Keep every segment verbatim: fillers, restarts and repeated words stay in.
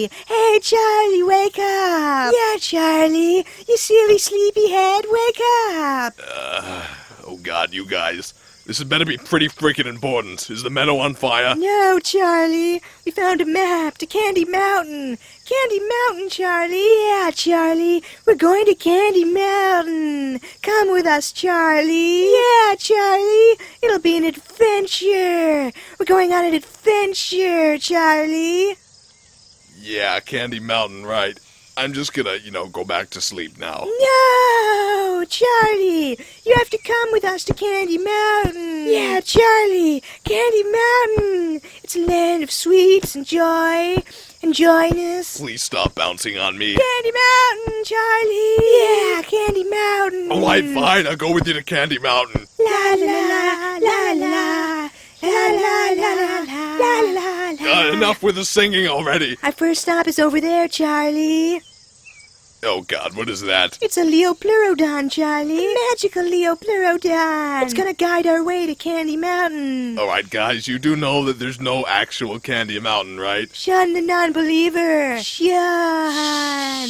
Charlie. Hey, Charlie, wake up. Yeah, Charlie, you silly sleepyhead, wake up. Uh, oh god, you guys. This had better be pretty freaking important. Is the meadow on fire? No, Charlie. We found a map to Candy Mountain. Candy Mountain, Charlie. Yeah, Charlie. We're going to Candy Mountain. Come with us, Charlie. Yeah, Charlie. It'll be an adventure. We're going on an adventure, Charlie. Yeah, Candy Mountain, right. I'm just gonna, you know, go back to sleep now. No, Charlie. You have to come with us to Candy Mountain. Yeah, Charlie. Candy Mountain. It's a land of sweets and joy and joyness. Please stop bouncing on me. Candy Mountain, Charlie. Yeah, Candy Mountain. Alright, fine. I'll go with you to Candy Mountain. La la la la la la la la la la la la. Uh, enough with the singing already. Our first stop is over there, Charlie. Oh god, what is that? It's a Leopleurodon, Charlie. A magical Leopleurodon. It's gonna guide our way to Candy Mountain. Alright, guys, you do know that there's no actual Candy Mountain, right? Shun the non-believer. Shun.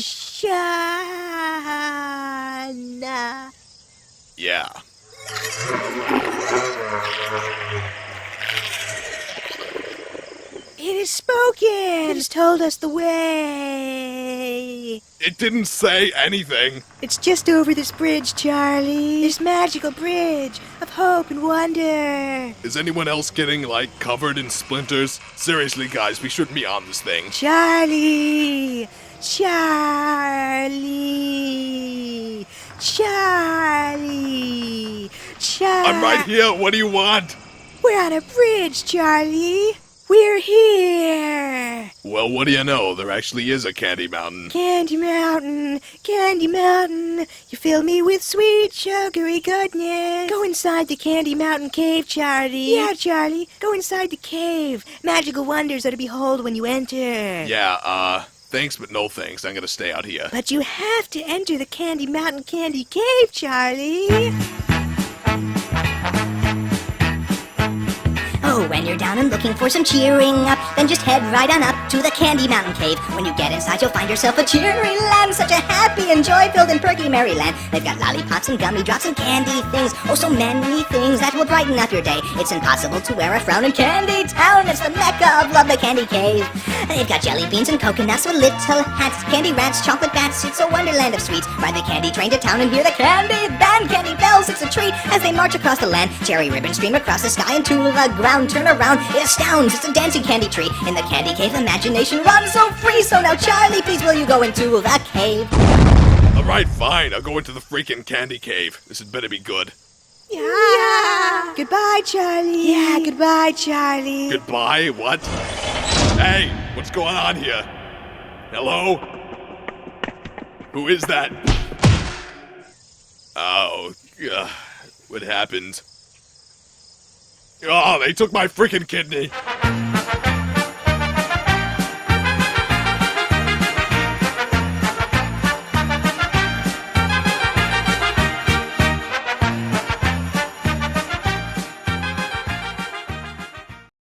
Shun. Yeah. It has spoken. It has told us the way. It didn't say anything. It's just over this bridge, Charlie. This magical bridge of hope and wonder. Is anyone else getting, like, covered in splinters? Seriously, guys, we shouldn't be on this thing. Charlie. Charlie. Charlie. Charlie. I'm right here. What do you want? We're on a bridge, Charlie. We're here! Well, what do you know? There actually is a Candy Mountain. Candy Mountain, Candy Mountain, you fill me with sweet, sugary goodness. Go inside the Candy Mountain cave, Charlie. Yeah, Charlie, go inside the cave. Magical wonders are to behold when you enter. Yeah, uh, thanks but no thanks. I'm gonna stay out here. But you have to enter the Candy Mountain Candy Cave, Charlie. Oh, when you're down and looking for some cheering up, then just head right on up to the Candy Mountain Cave. When you get inside, you'll find yourself a cheery land, such a happy and joy-filled and perky merry land. They've got lollipops and gummy drops and candy things, oh, so many things that will brighten up your day. It's impossible to wear a frown in Candy Town. It's the mecca of love, the Candy Cave. They've got jelly beans and coconuts with little hats, candy rats, chocolate bats. It's a wonderland of sweets. Ride the candy train to town and hear the candy band, candy bells. It's a treat as they march across the land. Cherry ribbons stream across the sky and to the ground. Turn around, it astounds. It's a dancing candy tree. In the Candy Cave, imagination runs so free. So now, Charlie, please will you go into the cave? Alright, fine. I'll go into the freaking Candy Cave. This had better be good. Yeah. yeah. Goodbye, Charlie. Yeah, goodbye, Charlie. Goodbye? What? Hey, what's going on here? Hello? Who is that? Oh, uh, what happened? Oh, they took my freaking kidney.